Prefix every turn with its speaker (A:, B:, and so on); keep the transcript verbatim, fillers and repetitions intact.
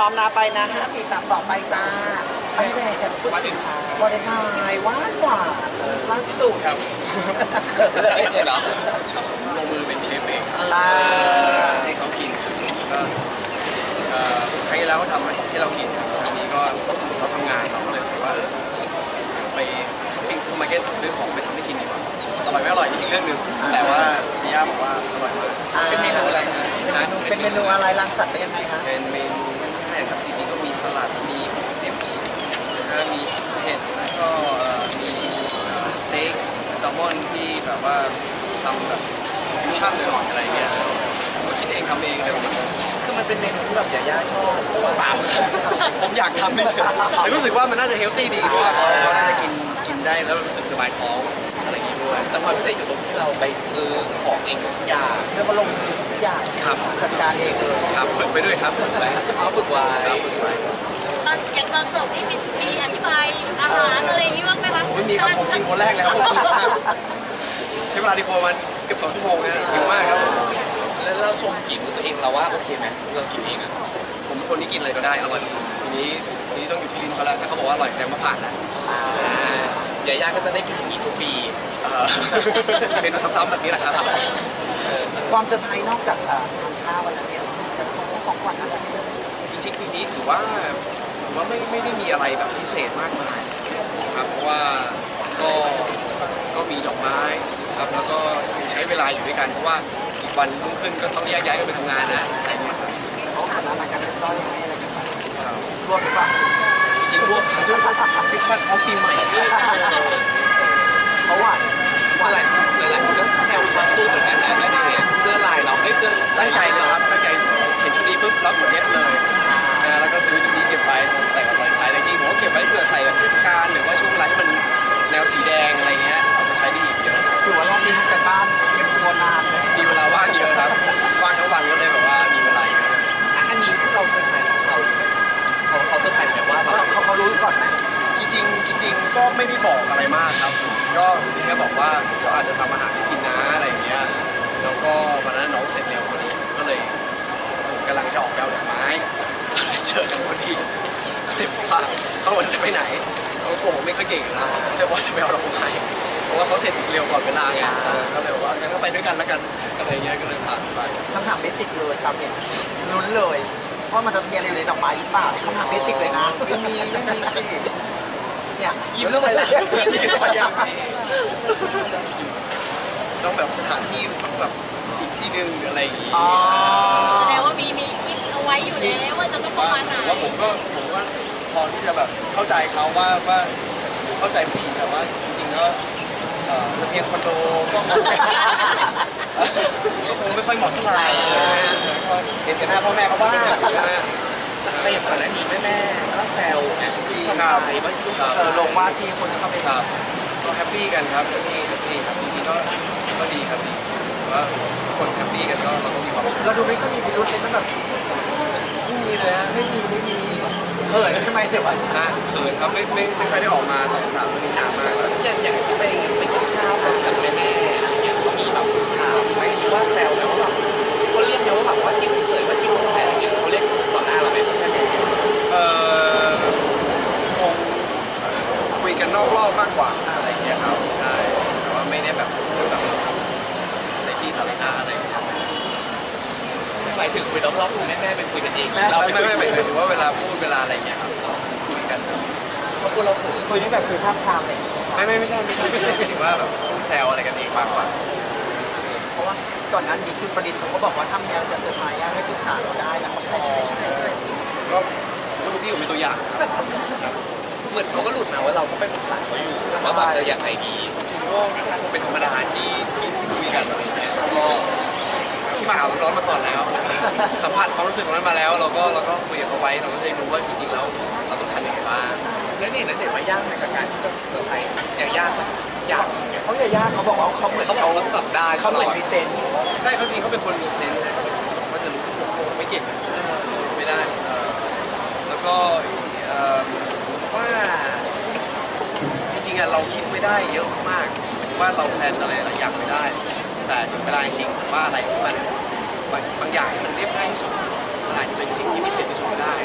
A: อมนะไปนะห้าทีสามต่อไปจ้าอันนี้แม่พูดถึงวาเลนไทน์หวานหวานล่าสุด
B: ครับไม่เคยเหรอลงมือเป็นเชฟเอง
A: อ่า
B: ให้เขากินก็เอ่อครั้งที่แล้วก็ทำให้เรากินครั้งนี้ก็เขาทำงานเราก็เลยรู้สึกว่าเออไปช้อปปิ้งซูเปอร์มาร์เก็ตซื้อของไปทำให้กินดีกว่าอร่อยไม่อร่อยนี่อีกเรื่องหนึ่งแต่ว่าพี่ย่าบอกว่าอร่อยมาก
A: เป็นเมนูอะไรฮะเป็นเมนูอะไรรังสรรค์ไปยังไงคะ
B: เป็นเมนูง่ายๆครับจริงๆก็มีสลัดมีดิปส์นะฮะมีซุปเห็ดแล้วก็เอ่อมีสเต็กแซลมอนที่แบบว่าทำแบบฟิวชั่นหน่อยๆอะไรเงี้ยผมคิดเองทำเองเลย
C: คือมันเป็นเมนูที่แบบยาย่าชอบ
B: เปล่าผมอยากทำไม่ใช่แต่รู้สึกว่ามันน่าจะเฮลตี้ดีเพราะว่าเขาเขาน่าจะกินกินได้แล้วรู้สึกสบายท้องอะไรอย่างงี้ด้วย
C: แต่ความพิเศษอยู่ตรงที่เราไปซื้อของเองทุกอย่าง
A: เธอก็ลงทุกอย่าง
B: ครับ
A: จัดการเองเลย
B: ครับฝึกไปด้วยครับฝึกไป
C: เขาฝึกไว้
B: ครับฝึกไป
D: ตอนอย่างตอนเสิร์ฟนี่มีมีอธิบายอาหารอะไรอย่างนี้บ้างไหมคะ
B: ไม่มีครับผมกินคนแรกแล้วผมกินมากใช้เวลาดีโฟประมาณเกือบสองชั่วโมงนะหิวมากครับผม
C: แล้วเราชมฝีมือตัวเองเราว่าโอเคไหมเรากินเองอะ
B: ผมเป็นคนที่กินอะไรก็ได้อร่อยทีนี้ทีนี้ต้องอยู่ที่ลิ้นเขาแล้วถ้าเขาบอกว่าอร่อยแสดงว่าผ่านนะ
C: ยาย่าก็จะได้กินอย่างนี้ทุกปี
B: เออเมนูซ้ำๆแบบนี้แหละครับ
A: ความเซอร์ไพรส์นอกจากเอ่อทานข้าววันนั้นเนี่ยแบบของของขวัญอะไรเนี่ย
B: จริงๆปีนี้ถือว่าถือว่าไม่ไม่ได้มีอะไรแบบพิเศษมากมายครับเพราะว่าก็ก็มีดอกไม้ครับแล้วก็ใช้เวลาอยู่ด้วยกันเพราะว่าอีกวันรุ่งขึ้นก็ต้องแยกย้ายกันไปทำงานนะอะไรอย่างเงี้ยครับ
A: เขาอ่านอะไรกันเป็นสร้อยให้อะไรกันไป
B: ครับ
A: รวมหรือเปล่า
B: จริงๆรวบครับคริสต์มาสพร้อมปีใหม่ด้วย
A: เขาหวานหวาน
C: หลายหลายคนก็แซวความตู้เหมือนกันนะได้เห็นเสื้อลายเราไม่เสื้อ
B: ตั้งใจเลยครับตั้งใจเห็นชุดนี้ปุ๊บแล้วกดเอฟเลยนะแล้วก็ซื้อชุดนี้เก็บไว้ผมใส่กับรอยไทยแต่จริงๆผมก็เก็บไว้เผื่อใส่แบบเทศกาลหรือว่าช่วงเวลาที่มันแนวสีแดงอะไรเงี้ยเอาไปใช้ได้อีกเยอะ
A: ถือว่ารอบนี้ทำกันบ้านเก็บตัวนานเลย
B: มีเวลาว่างเยอะครับว่างทั้งวันก็เลยแบบว่ามีเวลาเยอะ
C: อันนี้เราเซอร์ไพรส์เขาเขาเขาเซอร์ไพรส์แบบว่าแบบ
A: เขาเขารู้ก่อนไหม
B: จริงๆจริงๆก็ไม่ได้บอกอะไรมากครับก็แค่บอกว่าเดี๋ยวอาจจะทำอาหารให้กินนะอะไรอย่างเงี้ยแล้วก็วันนั้นน้องเสร็จเร็วพอดีก็เลยผมกำลังจะออกไปเอาดอกไม้ก็เลยเจอกันพอดีก็เลยบอกว่าเขาวันจะไปไหนเขาโกหกไม่ค่อยเก่งนะแต่ว่าจะไปเอาดอกไม้เพราะว่าเขาเสร็จเร็วก่อนเวลาไงเออก็เลยบอกว่างั้นก็ไปด้วยกันแล้วกันอะไรเงี้ยก็เลยผ่านไป
A: คำถามเบสิกเลยชาวเน็ตลุ้นเลยว่ามันจะมีอะไรอยู่ในดอกไม้หรือเปล่าคำถามเบสิกเลยนะ
B: ไม่มีไม่มีสิ
A: เนี่ย
C: ยิ้มทำไมล่ะยิ้มทำไมอ่ะ
B: ต้องแบบสถานที่ต้องแบบอีกที่หนึ่งหรืออะไรอย่างงี้
A: อ๋อ
D: แสดงว่ามีมีคิดเอาไว้อยู่แล้วว่าจะต้องประมาณไหน
B: ว่าผมก็ผมก็พอที่จะแบบเข้าใจเขาว่าว่าเข้าใจผู้หญิงแต่ว่าจริงๆแล้วเอ่อระเบียงคอนโดก็คงไม่ก็คงไม่ค่อยเหมาะเท่าไหร่ก็เห็นกันหน้าพ่อแม่เขาบ้างนะฮะ
C: แต่อย่างก่อนหน้านี้แม่แม่ก็แซวไงพี่ชายว่าลูก
A: เออลงว่าที่คนจะเข้าไป
B: ครับก็แฮปปี้กันครับแฮปปี้แฮปปี้ครับจริงๆก็ก็ดีครับดีแต่ว่าทุกคนแฮปปี้กันก็เราก็มีความสุข
A: เราดูไม่ค่อยมีพิรุธเลยมันแบบ
B: ไม่มีเลยฮะ
A: ไม่มีไม่มีเขินใช่ไหมเดี๋ยววัน
B: นะเขินครับไม่ไม่ไม่ค่อยได้ออกมาตอบคำถามเรื่องนี้นานมากแล้ว
C: อย่างอย่างที่ไปไปกินข้าวกับแม่แม่อะไรเงี้ยเขามีแบบถามไหมว่าแซวไหมว่าแบบเขาเรียกไหมว่าแบบว่าที่เคยว่าที่คุณแม่เขาเรียกต่อหน้าเราไหมแม่แม่
B: เอ่อคงคุยกันนอกรอบมากกว่าอะไรอย่างเงี้ยครับใช่แต่ว่าไม่ได้แบบพูดแบบในที่สาธารณะอะไรอย่างเงี้ย
C: หมายถึงคุยรอบๆคุณแม่แม่เป็นคุยกันเอง
B: ไม่
C: เรา
B: ไม่
C: ไป
B: ไม่
C: คุย
B: ไม่หมายถึงว่าเวลาพูดเวลาอะไรอย่างเงี้ยครับคุยกัน
C: เพราะกลัวเราเขิน
A: คุยนี่แบบคือท่ามทางเลย
B: ไม่ไม่ไม่ใช่ไม่ใช่ไม่ใช่หมายถึงว่าแบบพูดแซวอะไรกันเองมากกว่า
A: เพราะว่าก่อนนั้นดีคุณประดิษฐ์เขาก็บอกว่าทำแนวจะเซอร์ไพรส์ให้ปรึกษาเราได้นะ
B: ใช่ใช่ใช่ก็ก็ดูพี่ผมเป็นตัวอย่างครับ
C: เหมือนเขาก็หลุดมาว่าเราก็ไปปรึกษาเขาอยู่ว่าแบบจะอย่างไรดี
B: จริงๆก็คงเป็นธรรมดาที่ที่ที่คุยกันอะไรอย่างเงี้ยก็ที่มาหาร้อนๆมาก่อนแล้ว สัมผัสความรู้สึกของนั้นมาแล้ว เราก็เราก็คุยกับเขาไว้เราก็จะได้รู้ว่าจริงๆแล้วเราต้องทำยังไงบ้าง
C: แล้วนี่นั่นเด็กว่ายากในกับการที่จะเซอร์ไพรส์อย่างยากยาก
A: เขาอย่ายากเขาบอกว่าเขาเหมือน
C: เขาบอ
A: เขา
C: กเขาจับได้
A: เขาเหมือนมีเซนส์
B: ใช่เขาจริงเขาเป็นคนมีเซนส์นะเขาก็จะรู้ผมไม่เก่งไม่ได้เอ่อแล้วก็เอ่อว่าจริงๆอะเราคิดไม่ได้เยอะมากๆว่าเราแพลนอะไรหลายอย่างไม่ได้ แต่ถึงเวลาจริงๆว่าอะไรที่มันบางบางอย่างที่มันเรียบง่ายที่สุดมันอาจจะเป็นสิ่งที่พิเศษที่สุดก็ได้